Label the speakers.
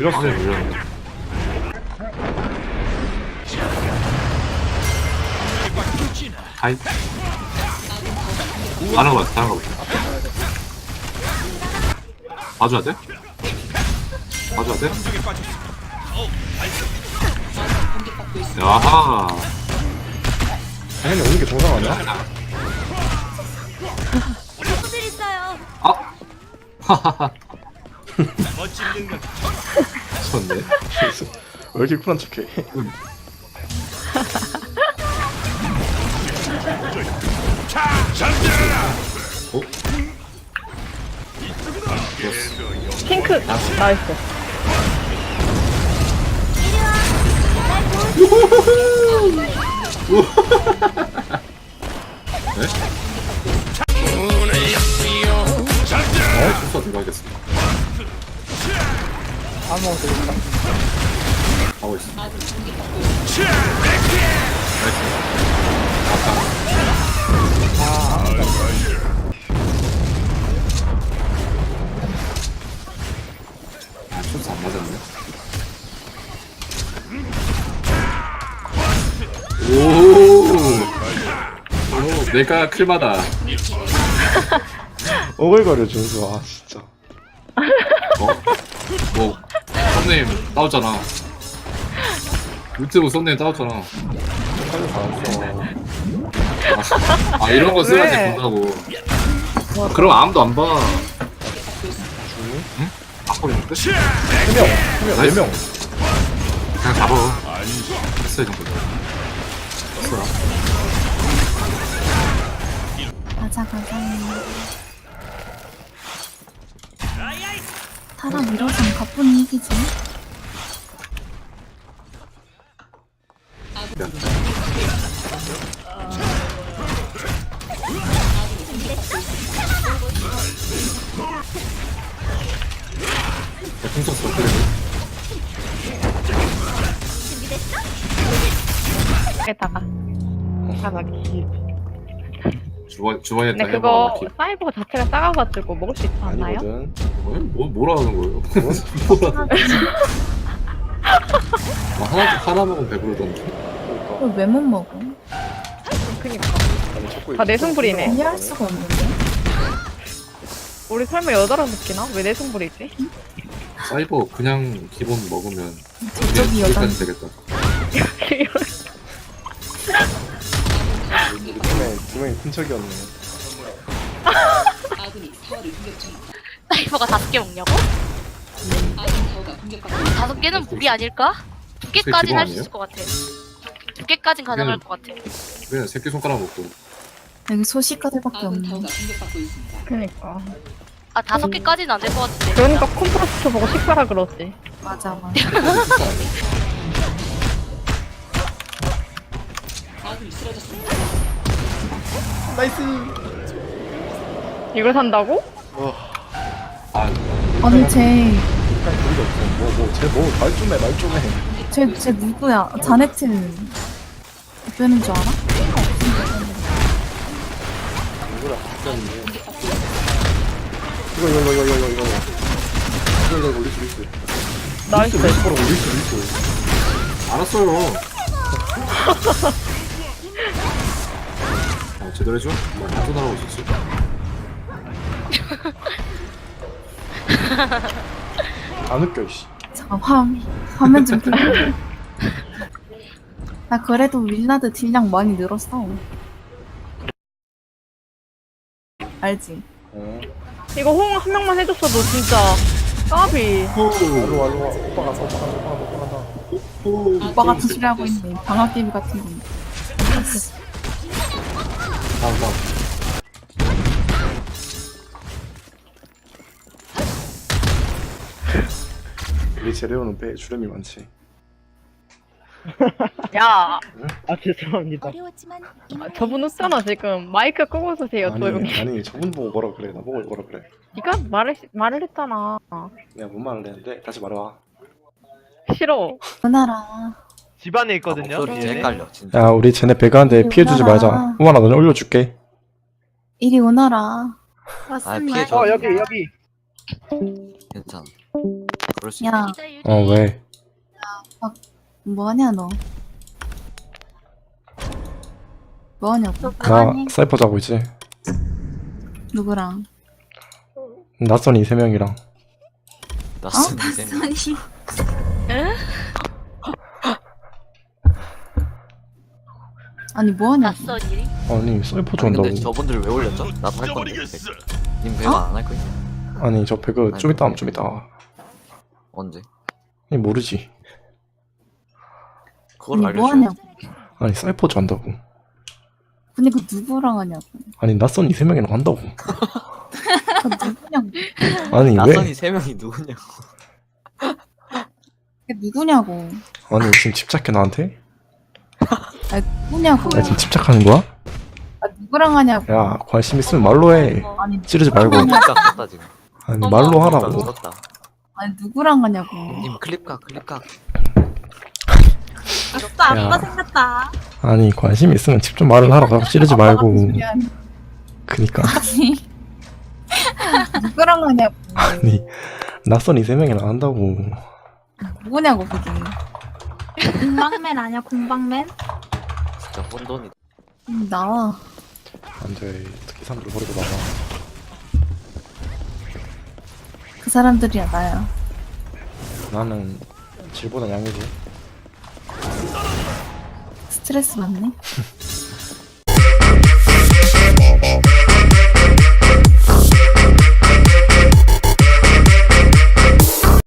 Speaker 1: 밀었어.
Speaker 2: 밀었네. 하이. 다른 거 다른 거 봐줘야 돼? 봐줘야 돼? 야하.
Speaker 1: 당연히 오는 게 정상 아니야?
Speaker 3: 친구들 있어요.
Speaker 2: 아! 하하하. 좋네.
Speaker 1: 왜 이렇게 쿨한 척해?
Speaker 2: 어?
Speaker 4: 핑크 나이스.
Speaker 2: 네? 순서 들어가겠습니다.
Speaker 4: 아무것도 되겠다.
Speaker 2: 하고 있어. 나이스. 아까. 순서 안 맞았네. 오, 내가 클마다.
Speaker 1: 오글거려 준수. 아 진짜.
Speaker 2: 뭐, 썸네임 따왔잖아. 유튜브 썸네임 따왔잖아.
Speaker 1: 빨리 받았어.
Speaker 2: 아, 이런 거 써야지
Speaker 4: 왜?
Speaker 2: 본다고. 그럼 아무도 안 봐.
Speaker 1: 중이?
Speaker 2: 바꿔있는데?
Speaker 1: 3명, 4명.
Speaker 2: 그냥 잡아. 됐어, 이 정도. 됐어.
Speaker 3: 가자 가자. 타라 밀어선 가뿐히 이기지.
Speaker 2: 풍선 그래.
Speaker 4: 여기다가 가자기.
Speaker 2: 주방에
Speaker 4: 근데
Speaker 2: 다
Speaker 4: 그거
Speaker 2: 해봐.
Speaker 4: 사이버 자체가 작아가지고 먹을 수 있지 않나요?
Speaker 1: 아니거든.
Speaker 2: 뭐라 하는 거예요? 뭐라. 하나 먹으면 배부르던데.
Speaker 1: 그러니까.
Speaker 3: 이걸 왜 못 먹어?
Speaker 4: 그니까
Speaker 1: 아니, 자꾸
Speaker 4: 다 내숭불이네.
Speaker 3: 이해할 수가 없는데.
Speaker 4: 우리 설마 여자랑 느끼나? 왜 내숭불이지?
Speaker 2: 사이버 그냥 기본 먹으면
Speaker 3: 저쪽이 여자.
Speaker 2: 여기까지 되겠다.
Speaker 1: 우리 팀의 큰 척이었네.
Speaker 5: 사이버가 5개 먹냐고? 5개는 무리 아닐까? 2개까지는 할 수 있을 것 같아. 2개까진 가능할 것 같아.
Speaker 2: 그냥 새끼 손가락 먹고.
Speaker 3: 여기 소식가들밖에 없네.
Speaker 4: 그니까
Speaker 5: 5개까지는 안 될 것 같은데.
Speaker 4: 그러니까 콤프로스트 보고 식사라 그러지.
Speaker 3: 맞아 맞아.
Speaker 1: 나이스.
Speaker 4: 이걸 산다고?
Speaker 2: 아,
Speaker 3: 아니 쟤
Speaker 1: 그게 없어. 쟤말 좀 해, 말 좀 해.
Speaker 3: 쟤 누구야? 자네트 빼는 줄 알아?
Speaker 1: 누구랑 바뀌었는데. 이거. 이거 올릴 수 있어.
Speaker 4: 나이스.
Speaker 1: 바로 올릴 수 있어.
Speaker 2: 알았어요. 제대로 해줘? 뭐 방송 나가고 있었지?
Speaker 1: 안 웃겨, 씨.
Speaker 3: 잠깐 화면 좀 켜나 그래도 윌라드 딜량 많이 늘었어. 알지?
Speaker 1: 어.
Speaker 4: 이거 호응 한 명만 해줬어도 진짜 까비.
Speaker 1: 알로 와. 오빠 간다.
Speaker 3: 오빠 같은 소리 하고 있네. 방학개비 같은 거.
Speaker 2: 다음.
Speaker 1: 우리 재료는 빼 주름이 많지.
Speaker 4: 야. 아 죄송합니다.
Speaker 3: 어려웠지만
Speaker 4: 저분 웃잖아 지금. 마이크 끄고 쓰세요 조용히.
Speaker 1: 아니 저분 보고 뭐라 그래. 나 보고 뭐라 그래.
Speaker 4: 네가 말을 했잖아.
Speaker 1: 내가 뭔 말을 했는데 다시 말해봐.
Speaker 4: 싫어.
Speaker 3: 은하라.
Speaker 6: 집안에 있거든요.
Speaker 7: 목소리
Speaker 6: 뒤에.
Speaker 7: 헷갈려 진짜.
Speaker 1: 야 우리 쟤네 배가한데 피해주지 말자.
Speaker 3: 우와라.
Speaker 1: 우만아 너네 올려줄게.
Speaker 3: 이리 오너라.
Speaker 7: 아 피해줘.
Speaker 6: 여기.
Speaker 7: 괜찮아.
Speaker 2: 그럴 수
Speaker 3: 야,
Speaker 5: 유리다, 유리.
Speaker 1: 왜?
Speaker 3: 뭐하냐 너? 뭐하냐고?
Speaker 1: 나 사이퍼 자고 있지.
Speaker 3: 누구랑?
Speaker 1: 낯선 이 세 명이랑.
Speaker 2: 낯선 셈.
Speaker 3: 아니 뭐하냐고?
Speaker 5: 낯선 일이?
Speaker 1: 아니 사이퍼
Speaker 2: 아니
Speaker 1: 잔다고.
Speaker 2: 근데 저분들 왜 올렸죠? 나도 할 건데. 님 배가 안 할 거야?
Speaker 1: 아니 저 배그 좀 이따 하면 좀 이따.
Speaker 2: 언제?
Speaker 1: 아니 모르지.
Speaker 2: 그걸
Speaker 3: 아니
Speaker 2: 알려줘.
Speaker 3: 뭐하냐고?
Speaker 1: 아니 사이퍼 잔다고.
Speaker 3: 근데 그 누구랑 하냐고?
Speaker 1: 아니 낯선 이 세 명이랑 한다고.
Speaker 3: 그 누구냐고?
Speaker 1: 아니 왜?
Speaker 2: 낯선이 3명이 누구냐고.
Speaker 3: 그게 누구냐고?
Speaker 1: 아니 지금 집착해 나한테?
Speaker 3: 아니 누구냐고?
Speaker 1: 야 지금 집착하는 거야?
Speaker 3: 아 누구랑 하냐고?
Speaker 1: 야 관심 있으면 말로 해.
Speaker 3: 아니
Speaker 1: 찌르지 말고.
Speaker 2: 클립각 썼다 지금.
Speaker 1: 아니
Speaker 5: 어머.
Speaker 1: 말로
Speaker 2: 클립각
Speaker 1: 하라고.
Speaker 2: 썼다.
Speaker 3: 아니 누구랑 하냐고?
Speaker 2: 님 클립각 클립각.
Speaker 3: 아싸
Speaker 1: 야.
Speaker 3: 생겼다.
Speaker 1: 아니 관심 있으면 직접 말을 하라고. 찌르지 말고. 그니까
Speaker 3: 누구랑 하냐고?
Speaker 1: 아니 낯선 이 세 명이랑 한다고.
Speaker 3: 누구냐고 그게?
Speaker 6: 공방맨 아니야 공방맨?
Speaker 2: 진짜 혼돈이다.
Speaker 3: 나와.
Speaker 1: 안돼. 특히 사람들 버리고 나가.
Speaker 3: 그 사람들이야 나야.
Speaker 1: 나는 질보다 양이지.
Speaker 3: 스트레스 받네.